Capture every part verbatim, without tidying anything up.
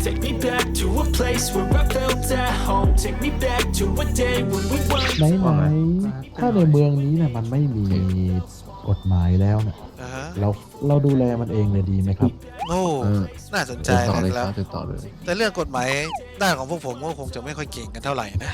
Take me back to a place where I felt at home. Take me back to a day when we weren't. ไหนไหนถ้าในเมืองนี้เนี่ยมันไม่มีกฎหมายแล้วเนี่ยอ่าฮะเราเราดูแลมันเองเลยดีไหมครับโอ้เออน่าสนใจเดินต่อเลยนะคครัรับบ เดินต่อเลยแต่เรื่องกฎหมายด้านของพวกผมก็คงจะไม่ค่อยเก่งกันเท่าไหร่นะ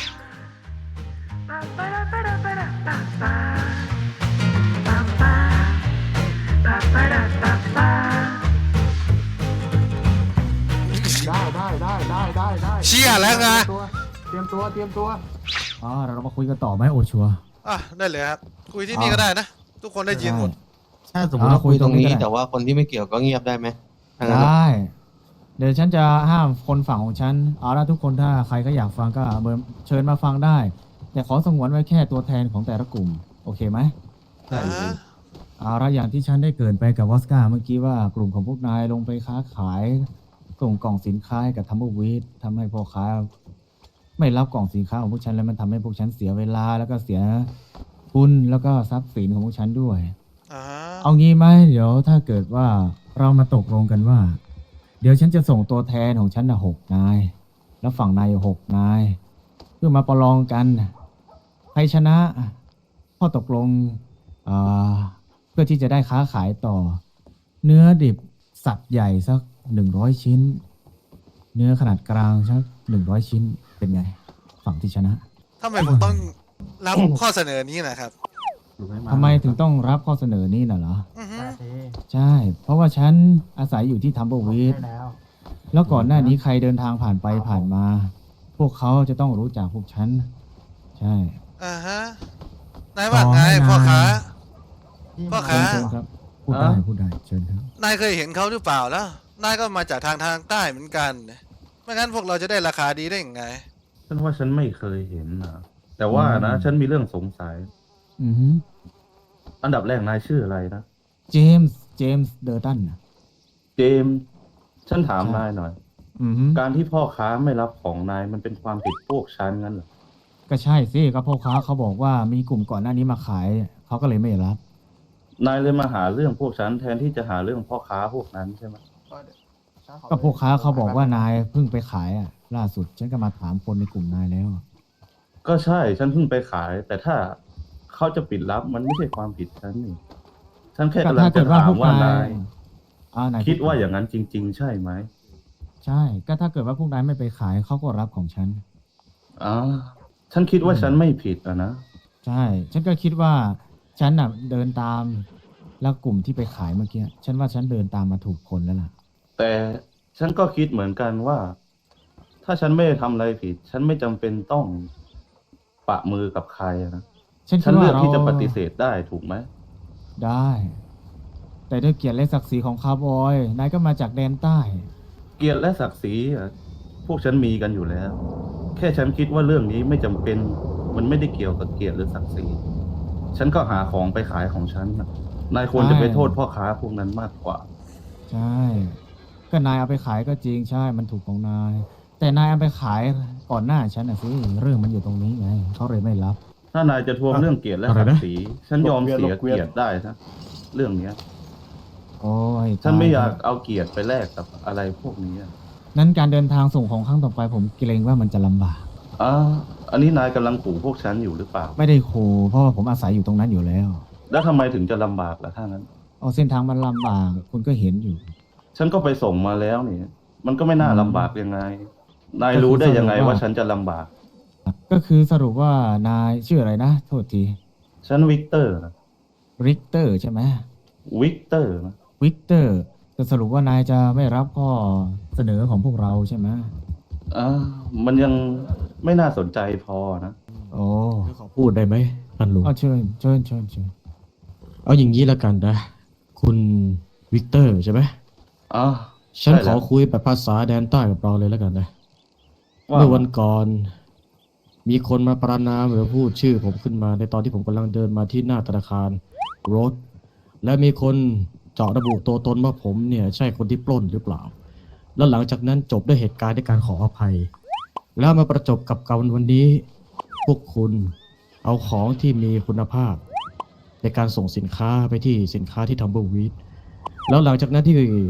ได้ได้ได้ได้ได้ได้เชี่ยแล้วไงเตรียมตัวเตรียมตัวอ๋อเรามาคุยกันต่อไหมโอชัวอ่ะได้เลยครับ คุยที่นี่ก็ได้นะ ทุกคนได้ยินหมดถ้าสมมติว่าคุยตรงนี้แต่ว่าคนที่ไม่เกี่ยวก็เงียบได้ไหมถ้างั้นได้ เดี๋ยวฉันจะห้ามคนฝั่งของฉันเอาละทุกคนถ้าใครก็อยากฟังก็เบิร์เชิญมาฟังได้ แต่ขอสงวนไว้แค่ตัวแทนของแต่ละกลุ่ม โอเคไหมอ่าฮะเอาละอย่างที่ฉันได้เกรินไปกับวอสกาเมื่อกี้ว่ากลุ่มของพวกนายลงไปค้าขายส่งกล่องสินค้าให้กับทัมเบอร์วีดทำให้พ่อค้าไม่รับกล่องสินค้าของพวกฉันแล้วมันทำให้พวกฉันเสียเวลาแล้วก็เสียทุนแล้วก็ทรัพย์สินของพวกฉันด้วยอ่าฮะเอางี้ไหมเดี๋ยวถ้าเกิดว่าเรามาตกลงกันว่า เดี๋ยวฉันจะส่งตัวแทนของฉันนะหกนาย แล้วฝั่งนายหกนาย เพื่อมาประลองกันใครชนะข้อตกลงเอ่อเพื่อที่จะได้ค้าขายต่อ เนื้อดิบสัตว์ใหญ่สักหนึ่งร้อยชิ้น เนื้อขนาดกลางสักหนึ่งร้อยชิ้นเป็นไง ฝั่งที่ชนะทำไมผมต้องรับข้อเสนอนี้นะครับทำไมถึงต้องรับข้อเสนอนี้น่ะเหรออือฮึใช่ เพราะว่าฉันอาศัยอยู่ที่ทัมเบอร์วีดได้แล้วแล้วก่อนหน้านี้ใครเดินทางผ่านไปผ่านมา พวกเขาจะต้องรู้จักพวกฉัน ใช่อ่าฮะนายว่าไงพ่อค้า พ่อเชิค้าญเชิญครับ พูดได้พูดได้เชิญครับนายเคยเห็นเขาหรือเปล่าแล้ว นายก็มาจากทางทางใต้เหมือนกันไม่งั้นพวกเราจะได้ราคาดีได้ยังไงฉันว่าฉันไม่เคยเห็นนะแต่ว่านะอืมฉันมีเรื่องสงสัยอือฮึอันดับแรกนายชื่ออะไรนะเจมส์เจมส์เดอร์ตันน่ะเจมส์ฉันถามนายหน่อยอือฮึการที่พ่อค้าไม่รับของนายมันเป็นความผิดพวกฉันงั้นเหรอก็ใช่สิก็พ่อค้าเขาบอกว่ามีกลุ่มก่อนหน้านี้มาขายเขาก็เลยไม่รับนายเลยมาหาเรื่องพวกฉันแทนที่จะหาเรื่องพ่อค้าพวกนั้นใช่ไหมก็พ่อค้าเขาบอกว่านายเพิ่งไปขายอ่ะ ล่าสุดฉันก็มาถามคนในกลุ่มนายแล้วก็ใช่ฉันเพิ่งไปขาย แต่ถ้าเขาจะปิดรับมันไม่ใช่ความผิดฉันนี่ฉันแค่ก็กำลังถ้าจะเกิดว่าถาพมวกว่านานาย ยอ่านายคิดว่าอย่างนั้นจริง ๆ ใช่ไหมใช่ ก็ถ้าเกิดว่าพวกนายไม่ไปขายเขาก็รับของฉันอ๋อฉันคิดว่าฉันไม่ผิดอะนะใช่ ฉันก็คิดว่าฉันน่ะเดินตามแล้วกลุ่มที่ไปขายเมื่อกี้ ฉันว่าฉันเดินตามมาถูกคนแล้วล่ะแต่ฉันก็คิดเหมือนกันว่า ถ้าฉันไม่ได้ทำอะไรผิด ฉันไม่จำเป็นต้องปะมือกับใครอะนะฉันฉัคินดว่าเลือกเราที่จะปฏิเสธได้ถูกไหมได้ แต่ด้วยเกียรติและศักดิ์ศรีของคาร์บอย นายก็มาจากแดนใต้เกียรติและศักดิ์ศรีอะพวกฉันมีกันอยู่แล้ว แค่ฉันคิดว่าเรื่องนี้ไม่จำเป็น มันไม่ได้เกี่ยวกับเกียรติหรือศักดิ์ศรีฉันก็หาของไปขายของฉันน่ะนายควรจะไปโทษพ่อค้าพวกนั้นมากกว่าใช่ ก็นายเอาไปขายก็จริงใช่ มันถูกของนาย แต่นายเอาไปขายก่อนหน้าฉันนะสิ เรื่องมันอยู่ตรงนี้ไง เขาเลยไม่รับถ้านายจะทวงเรื่องเกียรติและศักดิ์ศรีฉันยอมเสียเกียรติได้นะเรื่องเนี้ยโอ้ยฉันไม่ตอยากเอาเกียรติไปแลกกับอะไรพวกนี้อะนั้นการเดินทางส่งของครั้งต่อไปผมเกรงว่ามันจะลำบากอ่าอันนี้นายกำลังขู่พวกฉันอยู่หรือเปล่าไม่ได้ขู่เพราะว่าผมอาศัยอยู่ตรงนั้นอยู่แล้วแล้วทำไมถึงจะลำบากล่ะถ้างั้นเอาเส้นทางมันลำบาก คุณก็เห็นอยู่ฉันก็ไปส่งมาแล้วนี่ มันก็ไม่น่าอืมลำบากยังไง นายรู้ได้ยังไงก็คือสรุปว่าว่าฉันจะลำบากก็คือสรุปว่านายชื่ออะไรนะ โทษทีฉันวิกเตอร์นะริกเตอร์ใช่ไหมวิกเตอร์นะวิกเตอร์จะสรุปว่านายจะไม่รับข้อเสนอของพวกเราใช่ไหมอ่ามันยังไม่น่าสนใจพอนะโอ้ขอพูดได้ไหมท่านลุงเอาเชิญเชิญเชิญเชิญเอาอย่างนี้ละกันนะ คุณวิกเตอร์ใช่ไหมอ๋อฉันใช่ขแล้อวคุยแบบภาษาแดนใต้กับเราเลยแล้วกันนะว่าเมื่อวันก่อน มีคนมาประนามหรือพูดชื่อผมขึ้นมาในตอนที่ผมกำลังเดินมาที่หน้าธนาคารโรดและมีคนเจาะระบุตัวตนว่าผมเนี่ยใช่คนที่ปล้นหรือเปล่า แล้วหลังจากนั้นจบด้วยเหตุการณ์ด้วยการขออภัย แล้วมาประจบกับการวันนี้ พวกคุณเอาของที่มีคุณภาพ ในการส่งสินค้าไปที่สินค้าที่ทัมเบอร์วีดแล้วหลังจากนั้นที่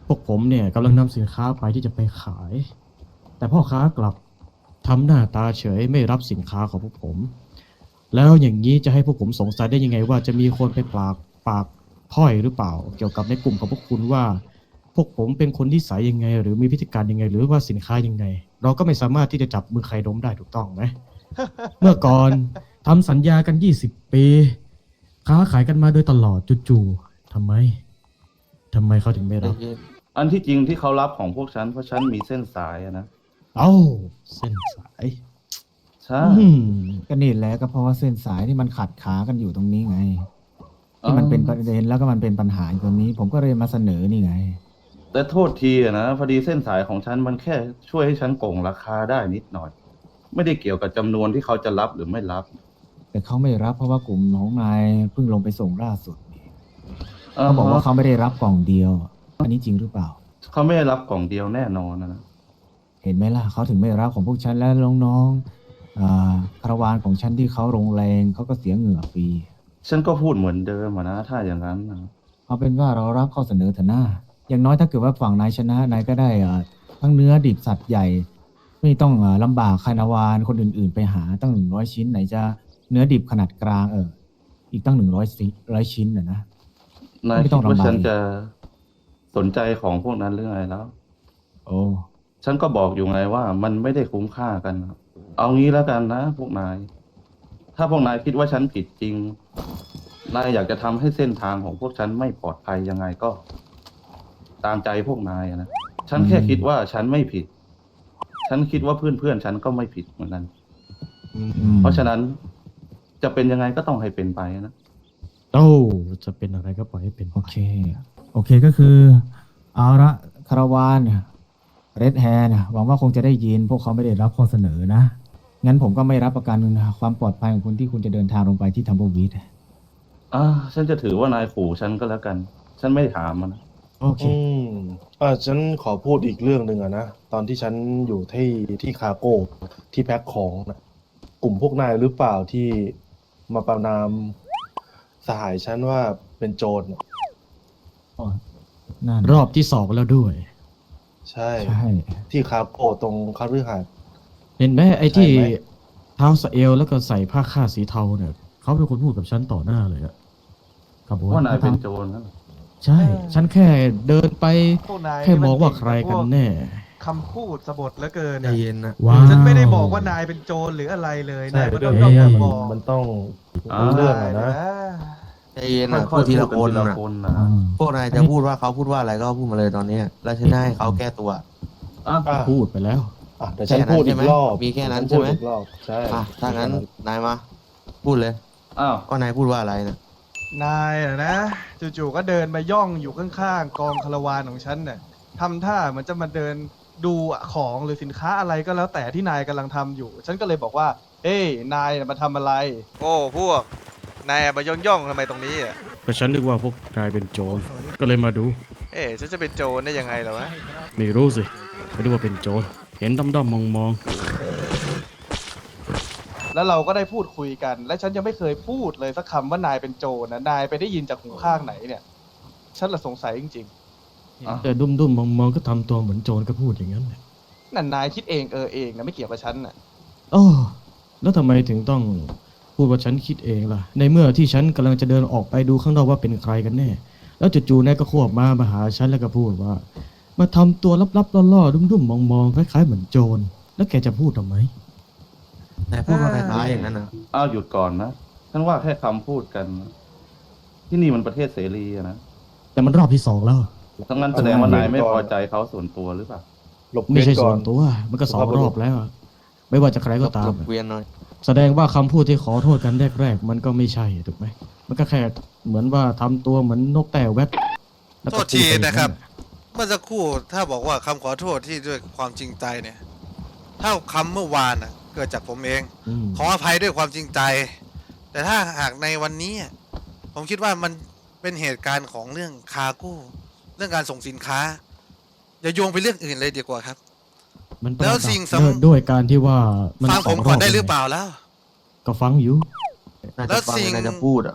พวกผมเนี่ยกำลังนำสินค้าไปที่จะไปขาย แต่พ่อค้ากลับทำหน้าตาเฉยไม่รับสินค้าของพวกผม แล้วอย่างนี้จะให้พวกผมสงสัยได้ยังไงว่าจะมีคนไปปากปากพร่อยหรือเปล่า เกี่ยวกับในกลุ่มของพวกคุณว่า พวกผมเป็นคนนิสัยยังไง หรือมีพฤติการยังไง หรือว่าสินค้ายังไง เราก็ไม่สามารถที่จะจับมือใครดมได้ถูกต้องไหม เมื่อก่อนทำสัญญากันยี่สิบปี ค้าขายกันมาโดยตลอดจู่ๆทำไมทำไมเขาถึงไม่รับอันที่จริงที่เขารับของพวกฉันเพราะฉันมีเส้นสายอะนะเอ้าเส้นสายใช่อืมก็นี่แหละก็เพราะว่าเส้นสายที่มันขัดขากันอยู่ตรงนี้ไง ที่มันเป็นประเด็นแล้วก็มันเป็นปัญหาอยู่ตรงนี้ ผมก็เลยมาเสนอนี่ไงแต่โทษทีอะนะพอดีเส้นสายของฉันมันแค่ช่วยให้ฉันโกงราคาได้นิดหน่อย ไม่ได้เกี่ยวกับจำนวนที่เขาจะรับหรือไม่รับแต่เขาไม่รับเพราะว่ากลุ่มของนายเพิ่งลงไปส่งล่าสุดนี่เขาบอกว่าเขาไม่ได้รับกล่องเดียว อันนี้จริงหรือเปล่าเขาไม่ได้รับกล่องเดียวแน่นอนนะเห็นไหมล่ะเขาถึงไม่รับของพวกฉันและน้องๆอ่าคาราวานของฉันที่เขาลงแรงเขาก็เสียเหงื่อฟรีฉันก็พูดเหมือนเดิมอะนะถ้าอย่างนั้นนะเอาเป็นว่าเรารับข้อเสนอเถอะหน้าอย่างน้อยถ้าเกิดว่าฝั่งนายชนะนายก็ได้อ่าทั้งเนื้อดิบสัตว์ใหญ่ ไม่ต้องอ่าลำบากคาราวานคนอื่นๆ ไปหาตั้งหนึ่งร้อยชิ้นไหนจะเนื้อดิบขนาดกลางเอออีกตั้งหนึ่งร้อยร้อยชิ้นน่ะนะนายไม่คิต้อดงลำบากว่าฉันจะสนใจของพวกนั้นหรือไงแล้วโอ้ฉันก็บอกอยู่ไงว่ามันไม่ได้คุ้มค่ากันครับเอางี้แล้วกันนะ พวกนาย ถ้าพวกนายคิดว่าฉันผิดจริง นายอยากจะทำให้เส้นทางของพวกฉันไม่ปลอดภัยยังไงก็ ตามใจพวกนายอะนะ ฉันแค่คิดว่าฉันไม่ผิด ฉันคิดว่าเพื่อนเพื่อนๆฉันก็ไม่ผิดเหมือนกันอืมเพราะฉะนั้นจะเป็นยังไงก็ต้องให้เป็นไปนะโอ้จะเป็นอะไรก็ปล่อยให้เป็นโอเค โอเคก็คือ เอาละคาราวานเรดแฮร์หวังว่าคงจะได้ยิน พวกเขาไม่ได้รับข้อเสนอนะ งั้นผมก็ไม่รับประกันความปลอดภัยของคุณที่คุณจะเดินทางลงไปที่ทัมเบิลวีดอ่า ฉันจะถือว่านายขู่ฉันก็แล้วกัน ฉันไม่ถามมันนะโอเคอืมอ่าฉันขอพูดอีกเรื่องหนึ่งอะนะ ตอนที่ฉันอยู่ที่ที่คาโก้ที่แพ็คของนะกลุ่มพวกนายหรือเปล่าที่มาประนามสหายฉันว่าเป็นโจรน่ะนั่นรอบที่สองแล้วด้วยใช่ใช่ที่คาโก้ตรงคาฤหาสน์เห็นไหมไอ้ที่ใช่ไหมเท้าสะเอลแล้วก็ใส่ผ้าคาดสีเทาเนี่ยเขาเป็นคนพูดกับฉันต่อหน้าเลยอะครับผมว่านายเป็นโจรนะใช่ ฉันแค่เดินไปพวกนายแค่มองว่าใครกันแน่คำพูดสะบดเหลือเกินใจอะเย็นนะว้าวฉันไม่ได้บอกว่านายเป็นโจรหรืออะไรเลยใช่นายก็ด้ต้วอย งเพยอราะมว่าบอกมันต้องรู้เรื่องอะนะใจเย็นนะค่พูอดยๆทีพูละดกันคนทีละนะคนนะอืมพวกนายจะพูดว่าเขาพูดว่าอะไรก็พูดมาเลยตอนนี้ แล้วฉันจะให้เขาแก้ตัวอ่ะอ่ะพูดไปแล้วอ่ะเดี๋ยวฉันพูดอีกรอบมีแค่นั้นฉัใช่ไหมพูดอีกรอบใช่อ่ะถ้างั้นนายมา พูดเลยอ้าวก็นายพูดว่าอะไรนะนายอะนะจู่ๆก็เดินมาย่องอยู่ข้างๆกองคาราวานของฉันน่ะทำท่าเหมือนจะมาเดินดูของหรือสินค้าอะไรก็แล้วแต่ที่นายกำลังทำอยู่ ฉันก็เลยบอกว่าเอ้ยนายน่ะมาทำอะไรโอ้พวก นายมาย่องย่องๆทำไมตรงนี้อ่ะก็ฉันนึกว่าพวกนายเป็นโจร ก็เลยมาดูเอ๊ะฉันจะเป็นโจรได้ยังไงเหรอวะไม่รู้สิ ไม่รู้ว่าเป็นโจร เห็นด้อมๆมองแล้วเราก็ได้พูดคุยกัน และฉันยังไม่เคยพูดเลยสักคำว่านายเป็นโจรนะนายไปได้ยินจากหูข้างไหนเนี่ย ฉันละสงสัยจริงๆ แต่ดุ้มๆมองๆก็ทำตัวเหมือนโจรก็พูดอย่างนั้นแหละๆนั่นนายคิดเองเออเองนะไม่เกี่ยวกับฉันน่ะโอ้แล้วทำไมถึงต้องพูดว่าฉันคิดเองล่ะ ในเมื่อที่ฉันกำลังจะเดินออกไปดูข้างนอกว่าเป็นใครกันแน่ แล้วจู่ๆนายก็ควบมามาหาฉันแล้วก็พูดว่า มาทำตัวลับๆล่อๆดุ้มๆมองๆคล้ายๆเหมือนโจร แล้วแกจะพูดทำไมนายพูดว่าคล้ายๆอย่างนั้นนะอ้าวหยุดก่อนนะ ฉันว่าแค่คำพูดกัน ที่นี่มันประเทศเสรีอะนะแต่มันรอบที่สองแล้วทั้งนั้นแสดงว่านายไม่พอใจเขาส่วนตัวหรือเปล่าหลบไม่เลี่ยใช่งก่ส่อวน นตัว มันก็สองรอบแล้วอะไม่ว่าจะใครก็ตาหลมบเวียนหน่อยแสดงว่าคำพูดที่ขอโทษกันแรกๆมันก็ไม่ใช่ถูกไหม มันก็แค่เหมือนว่าทำตัวเหมือนนกแต่แวบแล้วโทก็ษทีพูดไปอย่างนะครับ เมื่อสักครู่ถ้าบอกว่าคำขอโทษที่ด้วยความจริงใจเนี่ย ถ้าคำเมื่อวานน่ะ เกิดจากผมเองอืมขออภัยด้วยความจริงใจ แต่ถ้าหากในวันนี้อ่ะผมคิดว่ามันเป็นเหตุการณ์ของเรื่องคาร์โก้เรื่องการส่งสินค้า อย่าโยงไปเรื่องอื่นเลยดีกว่าครับมันประแล้วดับสิ่งสำด้วยด้วยการที่ว่ามันฟังผมสก่อนบได้หรือเปล่าแล้วก็ฟังอยู่นายแล้จะวฟังสิ่งนายจะพูดอ่ะ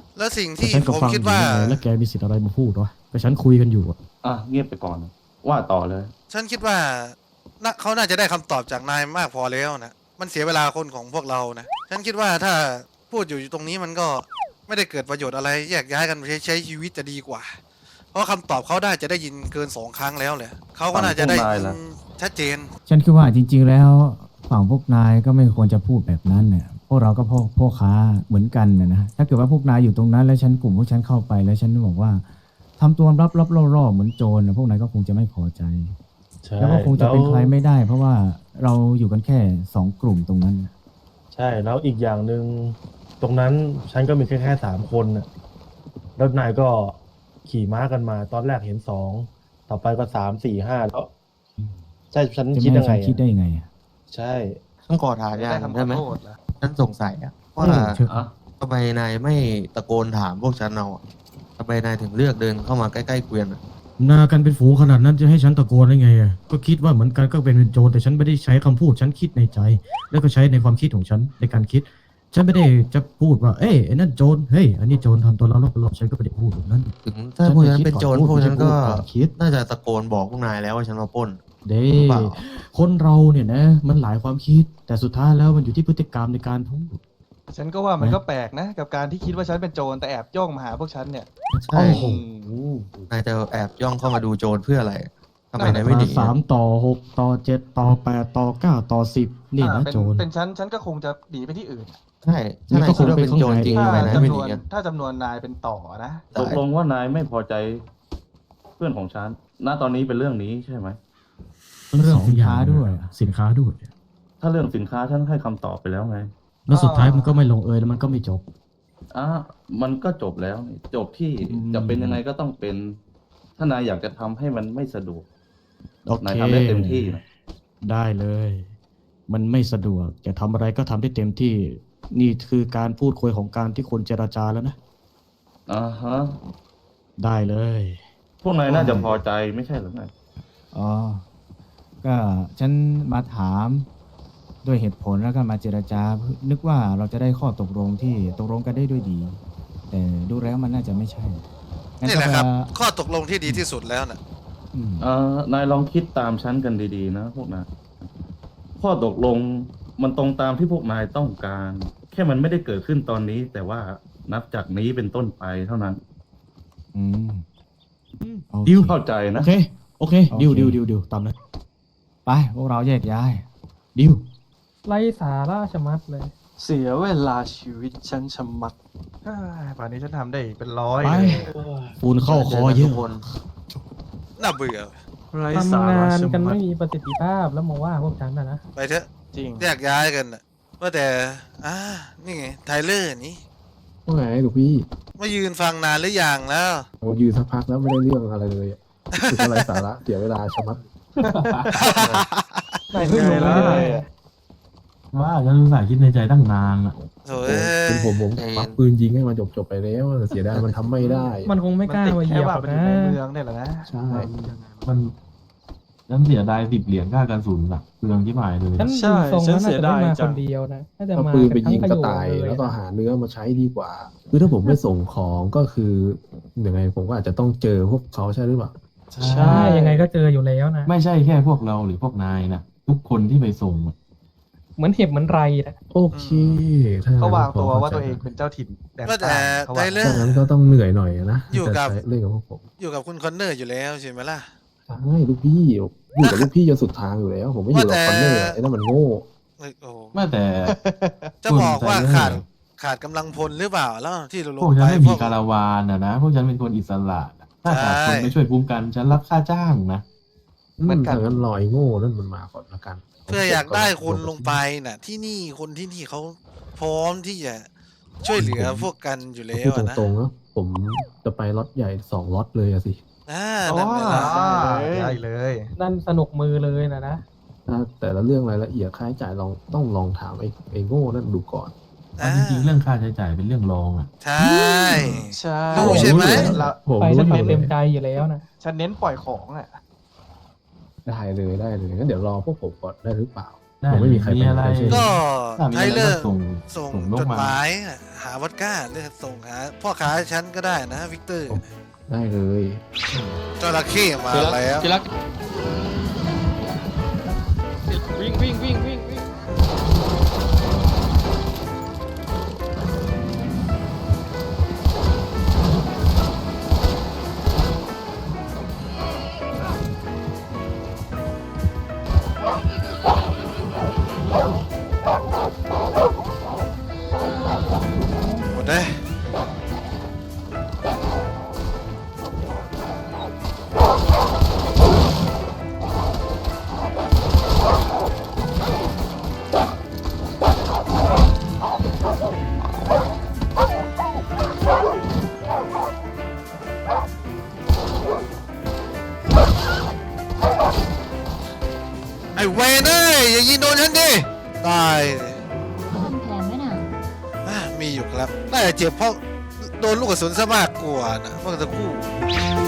แล้วสิ่งแต่ที่ฉันก็ผมฟังอคิดยู่ว่าไงแล้วแกมีสิทธิ์อะไรมาพูดวะก็ฉันคุยกันอยู่อะอ่ะเงียบไปก่อน ว่าต่อเลยฉันคิดว่าน่าเขาน่าจะได้คำตอบจากนายมากพอแล้วนะ มันเสียเวลาคนของพวกเรานะ ฉันคิดว่าถ้าพูดอยู่ตรงนี้มันก็ไม่ได้เกิดประโยชน์อะไร แยกย้ายกันไปใช้ใช้ชีวิตจะดีกว่า เพราะคำตอบเขาได้จะได้ยินเกินสองครั้งแล้วแหละเขาก็น่าจะได้ยินชัดเจนฉันคิดว่าจริง ๆ แล้วฝั่งพวกนายก็ไม่ควรจะพูดแบบนั้นเนี่ยพวกเราก็พ่อพ่อค้าเหมือนกันนะนะถ้าเกิดว่าพวกนายอยู่ตรงนั้นแล้วฉันกลุ่มพวกฉันเข้าไปแล้วฉันบอกว่าทำตัวรับรับล่อๆเหมือนโจรนะพวกนายก็คงจะไม่พอใจใช่แล้วก็คงจะเป็นแล้วใครไม่ได้ เพราะว่าเราอยู่กันแค่สองกลุ่มตรงนั้นใช่แล้วอีกอย่างหนึ่งตรงนั้นฉันก็มีแค่แค่สามคนน่ะแล้วนายก็ขี่ม้ากันมา ตอนแรกเห็นสองต่อไปก็สามสี่ห้าแล้วใช่ฉันจะคิดไม่ให้ยังไงฉันคิดได้อะยังไงอะใช่ต้องขอถามอย่างได้หนึ่งคำขได้อไหมโทษเหรอฉันสงสัยอะว่าเออเชิญอ่ะทำไมนายไม่ตะโกนถามพวกฉันเอาอะทำไมนายถึงเลือกเดินเข้ามาใกล้ๆเกวียนอะนากันเป็นฝูงขนาดนั้นจะให้ฉันตะโกนได้ไงอะก็คิดว่าเหมือนกันก็เป็นโจรแต่ฉันไม่ได้ใช้คำพูดฉันคิดในใจ แล้วก็ใช้ในความคิดของฉันในการคิด ฉันไม่ได้จะพูดว่าเอ้ยไอ้นั่นโจรเฮ้ยอันนี้โจรทำตัวเราหลอกฉันก็ไม่ได้พูดแบบนั้นถึงถ้าพวกฉันเป็นโจรฉันจะคิดก่อนพวกฉันก็พูดก่อนคิดน่าจะตะโกนบอกพวกนายแล้วว่าฉันมาปล้นเด้เปล่าคนเราเนี่ยนะ มันหลายความคิด แต่สุดท้ายแล้วมันอยู่ที่พฤติกรรมในการพูดฉันก็ว่ามันก็แปลกนะ กับการที่คิดว่าฉันเป็นโจรแต่แอบย่องมาหาพวกฉันเนี่ยใช่โอ้โหนายจะแอบย่องเข้ามาดูโจรเพื่ออะไรทำไมนั่นนายน่ะไม่หนีมาสามต่อหกต่อเจ็ดต่อแปดต่อเก้าต่อสิบนี่อ่านะเป็นโจรเป็นฉันฉันก็คงจะหนีไปที่อื่นใช่ถ้านายคิดว่าเป็นโจรจริงถ้าทำไมนายจำไม่นหนีวนอะถ้าจำนวนนายเป็นต่อนะตกลงว่านายไม่พอใจเพื่อนของฉัน ณ ตอนนี้เป็นเรื่องนี้ใช่ไหมเรื่องสสินย่ค้าด้วยสินค้าด้วยถ้าเรื่องสินค้าฉันให้คำตอบไปแล้วไงแล้วสุดท้ายมันก็ไม่ลงเอยแล้วมันก็ไม่จบอ่ะมันก็จบแล้วนี่จบที่อืมจะเป็นยังไงก็ต้องเป็น ถ้านายอยากจะทำให้มันไม่สะดวกโอเคนายทำได้เต็มที่นะได้เลย มันไม่สะดวกจะทำอะไรก็ทำได้เต็มที่ นี่คือการพูดคุยของการที่คนเจรจาแล้วนะอ่าฮะได้เลยพวกนายน่าจะพอใจไม่ใช่หรือไงอ๋อ ก็ฉันมาถามด้วยเหตุผลแล้วก็มาเจรจา นึกว่าเราจะได้ข้อตกลงที่ตกลงกันได้ด้วยดี แต่ดูแล้วมันน่าจะไม่ใช่งั้นี่แหละครับก็ข้อตกลงที่ดีที่สุดแล้วนะอืมเอ่อนายลองคิดตามฉันกันดีๆนะพวกนายข้อตกลงมันตรงตามที่พวกนายต้องการ แค่มันไม่ได้เกิดขึ้นตอนนี้ แต่ว่านับจากนี้เป็นต้นไปเท่านั้นอืมโอเคดิวเข้าใจโอนะเค โอเคโอเคดิวดิวดิวดิวตามนั้นไปพวกเราแยกย้ายดิวไร้สาระชะมัดเลยเสียเวลาชีวิตฉันชะมัดเอ้ยป่านนี้ฉันทำได้อีกเป็นร้อยไปเลยฝุ่นเข้าคอเยทุอะกคนน่าเบื่อไร้ทำสางาระนชะกันมัไม่ดมีประสิทธิภาพแล้วมาว่าพวกฉันนะนะไปเถอะจริงแยกย้ายกันนะว่าแต่อ่านี่ไงไทเลอร์นี่ว่าไงลูกพี่มายืนฟังนานหรือยังแล้วโอ้ยืนสักพักแล้วไม่ได้เรื่องอะไรเลยอะคืออะไรสาระเสียเวลาชะมัดไหนเพิ่งรู้ไงล่ะไม่ได้ว่าฉันรู้สึกคิดในใจตั้งนานอะโถ่เป็นผมผมใจเย็นควักปืนยิงให้มันจบจบๆไปแล้วแต่เสียดายมันทำไม่ได้มันคงไม่กล้าติดมาเหแค่ยียบว่าหรอกมันอนะยู่ในเมืองเนี่ยแหละนะใช่มันฉันเสียดายสิบเหรียญค่ากระสุนอะเปลืองที่หมายเลยฉันใช่ดูทรงฉันแล้วน่าเสียจะไม่ดายมาจัคงนเดียวนะน่าจะถ้ามาปืนไปกันยิทั้งงขก็ยงตายเลยแล้วก็อะหาเนื้อมาใช้ดีกว่า คือถ้าผมไม่ส่งของก็คือยังไงผมก็อาจจะต้องเจอพวกเขาใช่หรือเปล่าใช่ยังไงก็เจออยู่แล้วนะไม่ใช่แค่พวกเราหรือพวกนายนะทุกคนที่ไปส่งอะเหมือนเห็บเหมือนไรนะโอเคถ้าเขางั้นวางตัวพข้ว่าใจตัวเองเป็นเจ้าถิ่นแต่งว่าแต่ตั้งเขาไทว่าเลอถ้าร์งั้นก็ต้องเหนื่อยหน่อยนะอยู่กับจะใช้เล่นกับพวกผมอยู่กับคุณคอนเนอร์อยู่แล้วใช่ไหมล่ะใช่ลูกพี่อยู่กับลูกพี่จนสุดทางอยู่แล้ว ผมไม่อยู่กับว่าแต่คอนเนอร์ไอ้นั่นมันโง่เอ้ยโอ้โหไม่แต่จะบอกว่าขาดขาดกำลังพลหรือเปล่าแล้วที่เราลพงวกฉัไปนไม่พมีวกคาราวานอะนะพวกฉันเป็นคนอิสระถ้าขาดคนใช่ไปช่วยคุ้มกันฉันรับค่าจ้างนะเหมือนกันงั้นรอยโง่นั่นมันมาก่อนละกันเพื่ออยากได้คนลงไปน่ะ ที่นี่คนที่นี่เขาพร้อมที่จะช่วยเหลือพวกกันอยู่แล้พูวดอะนะตรงๆนะผมจะไปล็อตใหญ่สองล็อตเลยอะสิอ่าอ๋อนั่นแหละได้เลยนั่นสนุกมือเลยนะนะถ้าแต่ละเรื่องรายละเอียดค่าใช้จ่ายลองต้องลองถามไอ้ไอ้โง่นั่นดูก่อนอ่าจริงๆเรื่องค่าใช้จ่ายเป็นเรื่องรองอะใช่ใช่รู้ใช่ไหมเราผมไปรู้แล้วอยู่ทำเลเต็ยมใจอยู่แล้วนะฉันเน้นปล่อยของอ่ะได้เลยได้เลยงั้นเดี๋ยวรอพวกผมก่อนได้หรือเปล่าได้ผมไม่มีใครมีอะไรไปใช่ไหมก็ถ้ามีไทอะไรเลอก็ร์ส่งส่งส่งนกจดมาหมายหาวอดก้าหรือส่งหาพ่อค้าฉันก็ได้นะวิกเตอร์ได้เลยจระเข้มาแล้วที่รักวิ่งวิ่งวิ่งวิ่งวิ่งหมดเลย ไอ้เวนเอ้ยอย่ายิงโดนฉันดิ ตายเลยทำแผนไหมน่ะอ่ะมีอยู่ครับ น่าจะเจ็บเพราะโดนลูกกระสุนซะมากกว่านะเมื่อสักครู่